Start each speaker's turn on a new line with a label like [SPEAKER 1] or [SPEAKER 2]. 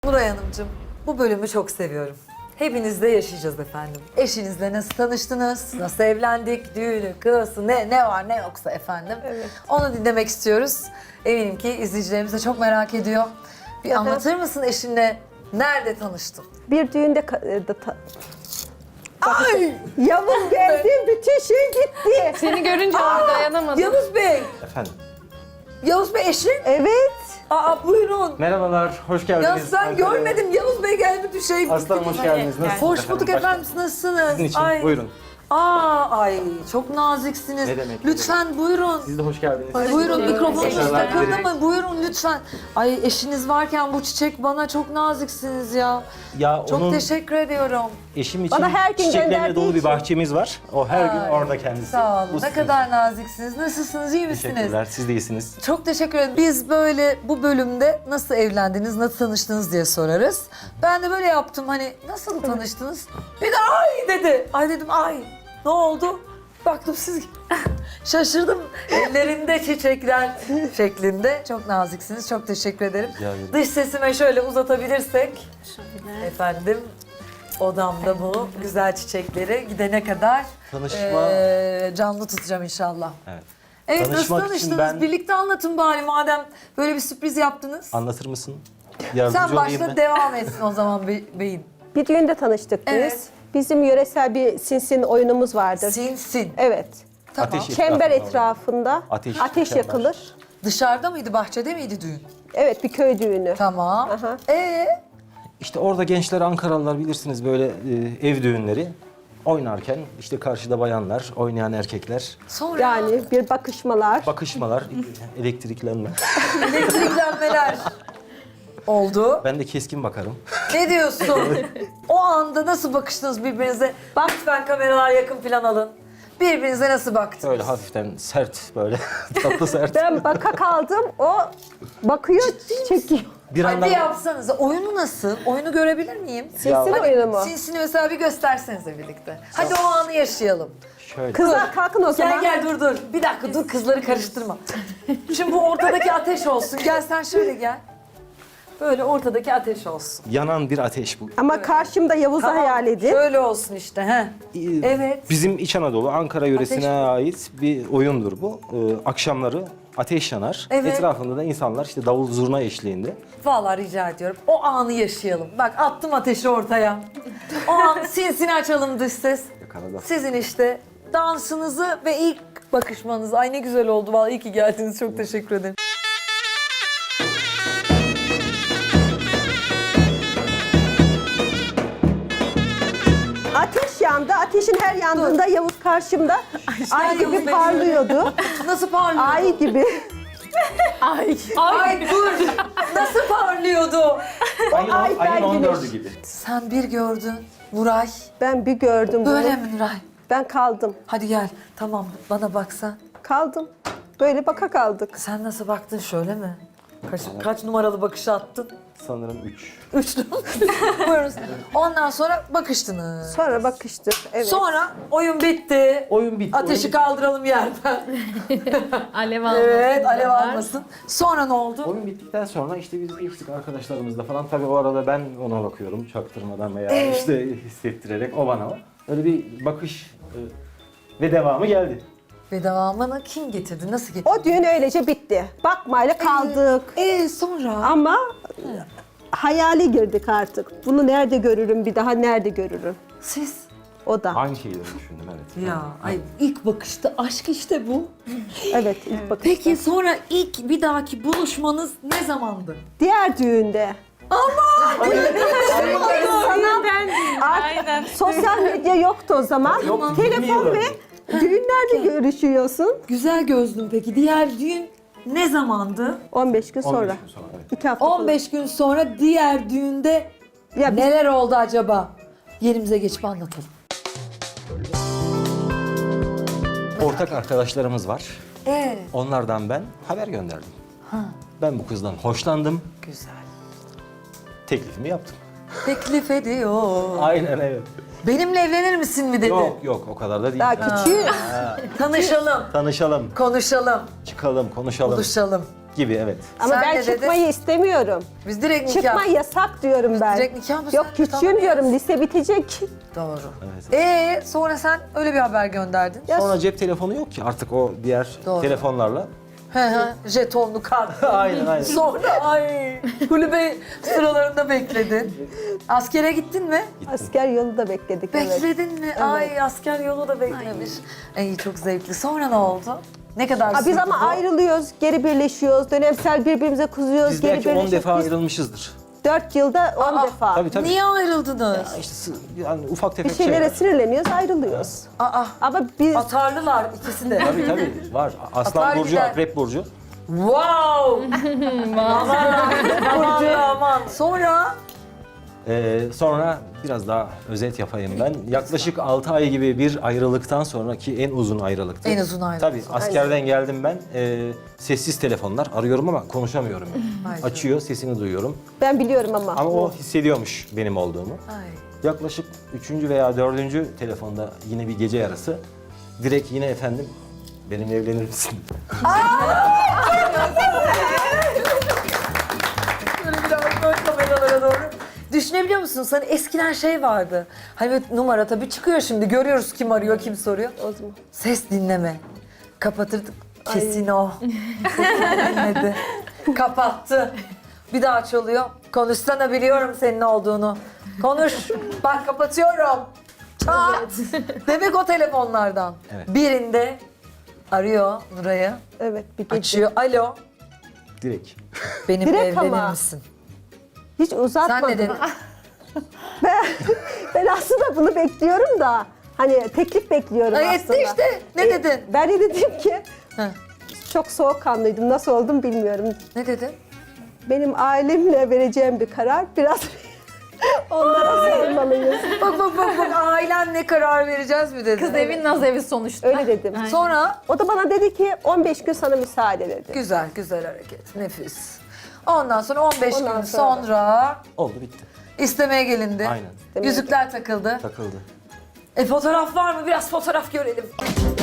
[SPEAKER 1] Nuray Hanımcığım, bu bölümü çok seviyorum. Hepinizle yaşayacağız efendim. Eşinizle nasıl tanıştınız, nasıl evlendik, düğünü, kıyası, ne var ne yoksa efendim.
[SPEAKER 2] Evet.
[SPEAKER 1] Onu dinlemek istiyoruz. Eminim ki izleyicilerimiz de çok merak ediyor. Bir anlatır mısın eşinle nerede tanıştın?
[SPEAKER 2] Bir düğünde
[SPEAKER 1] Ay!
[SPEAKER 2] Yavuz geldi, bütün şey gitti.
[SPEAKER 3] Seni görünce dayanamadım.
[SPEAKER 1] Yavuz Bey!
[SPEAKER 4] Efendim.
[SPEAKER 1] Yavuz Bey eşin?
[SPEAKER 2] Evet.
[SPEAKER 1] Aa buyurun.
[SPEAKER 4] Merhabalar, hoş geldiniz.
[SPEAKER 1] Ya ben
[SPEAKER 4] Ankara'ya.
[SPEAKER 1] görmedim. Yavuz Bey geldi bütün şey.
[SPEAKER 4] Aslanım hoş geldiniz. Nasılsınız
[SPEAKER 1] Hoş bulduk efendim. Nasılsınız?
[SPEAKER 4] Sizin için, buyurun.
[SPEAKER 1] Ay çok naziksiniz.
[SPEAKER 4] Ne demek,
[SPEAKER 1] Lütfen buyurun.
[SPEAKER 4] Siz de hoş geldiniz.
[SPEAKER 1] Buyurun mikrofonunuz
[SPEAKER 4] Başarılar
[SPEAKER 1] takıldı
[SPEAKER 4] dilerim.
[SPEAKER 1] mı? Buyurun lütfen. Ay eşiniz varken bu çiçek bana çok naziksiniz ya.
[SPEAKER 4] Ya
[SPEAKER 1] Çok
[SPEAKER 4] onun
[SPEAKER 1] teşekkür ediyorum.
[SPEAKER 4] eşim için
[SPEAKER 2] Bana her gün
[SPEAKER 4] çiçeklerle
[SPEAKER 2] gönderdiği
[SPEAKER 4] dolu bir
[SPEAKER 2] için.
[SPEAKER 4] bahçemiz var. O her gün
[SPEAKER 1] Ay,
[SPEAKER 4] orada kendisi.
[SPEAKER 1] Sağ olun.
[SPEAKER 4] Bu
[SPEAKER 1] Ne
[SPEAKER 4] sizin
[SPEAKER 1] kadar
[SPEAKER 4] için.
[SPEAKER 1] naziksiniz. Nasılsınız? İyi misiniz?
[SPEAKER 4] Teşekkürler, siz de iyisiniz.
[SPEAKER 1] Çok teşekkür ederim. Biz böyle bu bölümde nasıl evlendiniz, nasıl tanıştınız diye sorarız. Ben de böyle yaptım hani nasıl tanıştınız? Bir de ay dedi. Ay dedim ay ne oldu? Baktım siz şaşırdım. Ellerinde çiçekler şeklinde. Çok naziksiniz. Çok teşekkür ederim.
[SPEAKER 4] Rica ederim.
[SPEAKER 1] Dış sesime şöyle uzatabilirsek. Efendim odamda bu güzel çiçekleri gidene kadar
[SPEAKER 4] Tanışma.
[SPEAKER 1] canlı tutacağım inşallah.
[SPEAKER 4] Evet.
[SPEAKER 1] Evet nasıl
[SPEAKER 4] Tanışmak için
[SPEAKER 1] tanıştınız?
[SPEAKER 4] ben-
[SPEAKER 1] Birlikte anlatın bari madem böyle bir sürpriz yaptınız.
[SPEAKER 4] Anlatır mısın? Yardımcı
[SPEAKER 1] Sen
[SPEAKER 4] olayım
[SPEAKER 1] başla
[SPEAKER 4] mı?
[SPEAKER 1] devam etsin o zaman beyin.
[SPEAKER 2] Bir düğünde tanıştık biz.
[SPEAKER 1] Evet.
[SPEAKER 2] Bizim yöresel bir sinsin oyunumuz vardır.
[SPEAKER 1] Sinsin.
[SPEAKER 2] Evet.
[SPEAKER 1] Tamam.
[SPEAKER 4] Ateş-
[SPEAKER 2] Çember
[SPEAKER 4] Etrafında
[SPEAKER 2] etrafında
[SPEAKER 4] Ateş çember.
[SPEAKER 2] yakılır.
[SPEAKER 1] Dışarıda mıydı, bahçede miydi düğün?
[SPEAKER 2] Evet, bir köy düğünü.
[SPEAKER 1] Tamam.
[SPEAKER 2] Aha.
[SPEAKER 4] İşte orada gençler, Ankaralılar bilirsiniz böyle ev düğünleri oynarken işte karşıda bayanlar, oynayan erkekler,
[SPEAKER 1] Sonra
[SPEAKER 2] Yani bir bakışmalar.
[SPEAKER 4] bakışmalar, elektriklenme.
[SPEAKER 1] elektriklenmeler oldu.
[SPEAKER 4] Ben de keskin bakarım.
[SPEAKER 1] Ne diyorsun? O anda nasıl bakıştınız birbirinize? Bak lütfen kameralar yakın plan alın. Birbirinize nasıl baktınız?
[SPEAKER 4] Böyle hafiften sert böyle tatlı sert.
[SPEAKER 2] Ben baka kaldım, o bakıyor, çekiyor.
[SPEAKER 4] Bir
[SPEAKER 1] Ay
[SPEAKER 4] anda
[SPEAKER 1] bir yapsanız. Oyunu nasıl? Oyunu görebilir miyim?
[SPEAKER 2] Sinsin oyunu mu?
[SPEAKER 1] Sinsini mesela bir göstersenize birlikte. Hadi o anı yaşayalım.
[SPEAKER 4] şöyle.
[SPEAKER 2] Kızlar kalkın o zaman.
[SPEAKER 1] Gel dur. Bir dakika dur kızları karıştırma. Şimdi bu ortadaki ateş olsun. Gel sen şöyle gel. Böyle ortadaki ateş olsun.
[SPEAKER 4] Yanan bir ateş bu.
[SPEAKER 2] Ama karşımda Yavuz'u hayal edin.
[SPEAKER 1] Şöyle olsun işte. He. Evet.
[SPEAKER 4] Bizim İç Anadolu, Ankara yöresine
[SPEAKER 1] Ateş.
[SPEAKER 4] ait bir oyundur bu. Akşamları ateş yanar.
[SPEAKER 1] Evet.
[SPEAKER 4] Etrafında da insanlar işte davul zurna eşliğinde.
[SPEAKER 1] Vallahi rica ediyorum. O anı yaşayalım. Bak attım ateşi ortaya. O an sinsini açalım dış ses.
[SPEAKER 4] Yakaladım.
[SPEAKER 1] Sizin işte dansınızı ve ilk bakışmanızı. Ay ne güzel oldu vallahi iyi ki geldiniz. Çok teşekkür ederim.
[SPEAKER 2] Ateş yandı, ateşin her yandığında Yavuz karşımda ay gibi
[SPEAKER 1] Yavuz Bey.
[SPEAKER 2] parlıyordu.
[SPEAKER 1] Nasıl parlıyordu?
[SPEAKER 2] Ay gibi.
[SPEAKER 1] Ay dur. Nasıl parlıyordu?
[SPEAKER 2] ay
[SPEAKER 4] ayın
[SPEAKER 2] ben
[SPEAKER 4] 14'ü gibi.
[SPEAKER 1] Sen bir gördün Nuray.
[SPEAKER 2] Ben bir gördüm bunu.
[SPEAKER 1] Böyle mi Nuray?
[SPEAKER 2] Ben kaldım.
[SPEAKER 1] Hadi gel. Tamam bana baksan.
[SPEAKER 2] Kaldım. Böyle baka kaldık.
[SPEAKER 1] Sen nasıl baktın şöyle mi? Kaç numaralı bakış attın?
[SPEAKER 4] Sanırım 3.
[SPEAKER 1] Üçlü. Buyurun. Ondan sonra bakıştınız.
[SPEAKER 2] Sonra bakıştık. Evet.
[SPEAKER 1] Sonra oyun bitti.
[SPEAKER 4] Oyun bitti.
[SPEAKER 1] Ateşi
[SPEAKER 4] oyun,
[SPEAKER 1] kaldıralım yerden.
[SPEAKER 3] Alev almasın.
[SPEAKER 1] Evet, alev
[SPEAKER 3] diyorlar.
[SPEAKER 1] almasın. Sonra ne oldu?
[SPEAKER 4] oyun bittikten sonra işte biz geçtik arkadaşlarımızla falan. Tabii o arada ben ona bakıyorum çaktırmadan veya işte hissettirerek o bana. Öyle bir bakış ve devamı geldi.
[SPEAKER 1] Ve devamını kim getirdi? Nasıl getirdi?
[SPEAKER 2] O düğün öylece bitti. Bakmayla kaldık.
[SPEAKER 1] Sonra?
[SPEAKER 2] Ama hayali girdik artık. Bunu nerede görürüm, bir daha nerede görürüm?
[SPEAKER 1] Siz?
[SPEAKER 2] O da.
[SPEAKER 4] Aynı şeyleri düşündüm evet.
[SPEAKER 1] Ya ay ilk bakışta aşk işte bu.
[SPEAKER 2] Evet, ilk bakış.
[SPEAKER 1] Peki sonra ilk bir dahaki buluşmanız ne zamandı?
[SPEAKER 2] Diğer düğünde.
[SPEAKER 3] Aynen.
[SPEAKER 2] Sosyal medya yoktu o zaman.
[SPEAKER 4] Yok,
[SPEAKER 2] Telefon
[SPEAKER 4] bilmiyorum.
[SPEAKER 2] ve düğünlerde görüşüyorsun.
[SPEAKER 1] Güzel gözlüm peki. Diğer düğün ne zamandı?
[SPEAKER 2] 15 gün
[SPEAKER 4] 15
[SPEAKER 2] sonra.
[SPEAKER 4] gün sonra evet.
[SPEAKER 2] 2 hafta sonra.
[SPEAKER 1] 15 gün sonra diğer düğünde
[SPEAKER 2] Ya biz-
[SPEAKER 1] neler oldu acaba? Yerimize geçip anlatalım.
[SPEAKER 4] Ortak arkadaşlarımız var.
[SPEAKER 1] Evet.
[SPEAKER 4] Onlardan ben haber gönderdim. Ben bu kızdan hoşlandım.
[SPEAKER 1] Güzel.
[SPEAKER 4] Teklifimi yaptım.
[SPEAKER 1] Teklif ediyor.
[SPEAKER 4] Aynen evet.
[SPEAKER 1] Benimle evlenir misin mi dedi.
[SPEAKER 4] Yok o kadar da değil.
[SPEAKER 2] Daha küçüğü.
[SPEAKER 1] Tanışalım,
[SPEAKER 4] Tanışalım,
[SPEAKER 1] konuşalım,
[SPEAKER 4] çıkalım, konuşalım.
[SPEAKER 1] buluşalım.
[SPEAKER 4] Gibi evet.
[SPEAKER 2] Ama
[SPEAKER 1] Sen
[SPEAKER 2] ben
[SPEAKER 1] de dedin.
[SPEAKER 2] çıkmayı istemiyorum.
[SPEAKER 1] Biz direkt nikah.
[SPEAKER 2] Çıkma yasak diyorum ben.
[SPEAKER 1] direkt nikah mı
[SPEAKER 2] Yok
[SPEAKER 1] sen?
[SPEAKER 2] küçüğüm
[SPEAKER 1] Tamam.
[SPEAKER 2] diyorum, lise bitecek.
[SPEAKER 1] Doğru.
[SPEAKER 4] Evet.
[SPEAKER 1] Sonra sen öyle bir haber gönderdin.
[SPEAKER 2] Ya
[SPEAKER 4] Sonra cep telefonu yok ki artık o diğer
[SPEAKER 1] Doğru.
[SPEAKER 4] telefonlarla.
[SPEAKER 1] Jetonlu kart.
[SPEAKER 4] Aynen aynen.
[SPEAKER 1] Sonra kulübe sıralarında bekledin. Askere gittin mi?
[SPEAKER 2] asker yolu da bekledik. Evet.
[SPEAKER 1] Bekledin mi? Ay asker yolu da beklemiş. Ay çok zevkli. Sonra ne oldu? Ne kadar
[SPEAKER 2] Aa, biz
[SPEAKER 1] sürdü
[SPEAKER 2] ama
[SPEAKER 1] bu?
[SPEAKER 2] ayrılıyoruz, geri birleşiyoruz, dönemsel birbirimize kızıyoruz,
[SPEAKER 4] Biz
[SPEAKER 2] geri
[SPEAKER 4] belki 10
[SPEAKER 2] birleşiyoruz.
[SPEAKER 4] defa
[SPEAKER 2] Biz
[SPEAKER 4] ayrılmışızdır.
[SPEAKER 2] 4 yılda 10
[SPEAKER 1] Aa,
[SPEAKER 2] defa.
[SPEAKER 4] Tabii tabii.
[SPEAKER 1] Niye ayrıldınız?
[SPEAKER 4] Ya işte yani ufak
[SPEAKER 2] Bir
[SPEAKER 4] tefek
[SPEAKER 2] şeylere
[SPEAKER 4] şeyler.
[SPEAKER 2] sinirleniyoruz, ayrılıyoruz.
[SPEAKER 1] Aa,
[SPEAKER 2] Ama biz
[SPEAKER 1] atarlılar ikisi de.
[SPEAKER 4] Tabii tabii var. Aslan
[SPEAKER 1] Atar
[SPEAKER 4] burcu,
[SPEAKER 1] gider.
[SPEAKER 4] akrep burcu.
[SPEAKER 1] Wow! aman. Sonra
[SPEAKER 4] Sonra biraz daha özet yapayım ben. Yaklaşık 6 ay gibi bir ayrılıktan sonraki en uzun ayrılıktı.
[SPEAKER 1] En uzun ayrılık.
[SPEAKER 4] Tabii askerden geldim ben. Sessiz telefonlar arıyorum ama konuşamıyorum.
[SPEAKER 1] Ay.
[SPEAKER 4] Açıyor, sesini duyuyorum.
[SPEAKER 2] ben biliyorum ama.
[SPEAKER 4] Ama o hissediyormuş benim olduğumu.
[SPEAKER 1] ay.
[SPEAKER 4] Yaklaşık 3. veya 4. telefonda yine bir gece yarısı direkt yine efendim benimle evlenir misin?
[SPEAKER 1] Böyle biraz böyle kameralara doğru. Düşünebiliyor musun? Hani eskiden şey vardı. Hani böyle numara tabii çıkıyor şimdi. Görüyoruz kim arıyor, kim soruyor.
[SPEAKER 2] O zaman.
[SPEAKER 1] Ses dinleme. Kapatırdık. Kesin o. Sesini dinledi. Kapattı. Bir daha çalıyor. Konuşsana biliyorum senin olduğunu. Konuş. Bak kapatıyorum. Çat. Demek o telefonlardan.
[SPEAKER 4] Evet.
[SPEAKER 1] Birinde arıyor Nuray'ı.
[SPEAKER 2] Evet, bir gece.
[SPEAKER 1] Açıyor. Alo.
[SPEAKER 4] Direkt.
[SPEAKER 1] Benimle
[SPEAKER 2] Direkt
[SPEAKER 1] evlenir
[SPEAKER 2] ama.
[SPEAKER 1] misin?
[SPEAKER 2] Hiç uzatmadım.
[SPEAKER 1] Sen ne dedin?
[SPEAKER 2] Ben aslında bunu bekliyorum da. Hani teklif bekliyorum
[SPEAKER 1] Ay,
[SPEAKER 2] aslında.
[SPEAKER 1] etti işte. Ne dedin?
[SPEAKER 2] Ben de dedim ki
[SPEAKER 1] Heh.
[SPEAKER 2] çok soğukkanlıydım. Nasıl oldum bilmiyorum.
[SPEAKER 1] Ne dedin?
[SPEAKER 2] Benim ailemle vereceğim bir karar biraz onlara sormalıyız.
[SPEAKER 1] Bak ailenle karar vereceğiz mi dedin?
[SPEAKER 3] Kız evin naz evi sonuçta.
[SPEAKER 2] Öyle dedim.
[SPEAKER 3] Aynen.
[SPEAKER 1] Sonra
[SPEAKER 2] O da bana dedi ki 15 gün sana müsaade dedi.
[SPEAKER 1] güzel hareket. Nefis. Ondan sonra 15
[SPEAKER 2] Ondan
[SPEAKER 1] gün
[SPEAKER 2] sonra.
[SPEAKER 1] sonra
[SPEAKER 4] Oldu bitti.
[SPEAKER 1] istemeye gelindi.
[SPEAKER 4] Aynen.
[SPEAKER 1] Yüzükler takıldı.
[SPEAKER 4] Takıldı.
[SPEAKER 1] Fotoğraf var mı? Biraz fotoğraf görelim.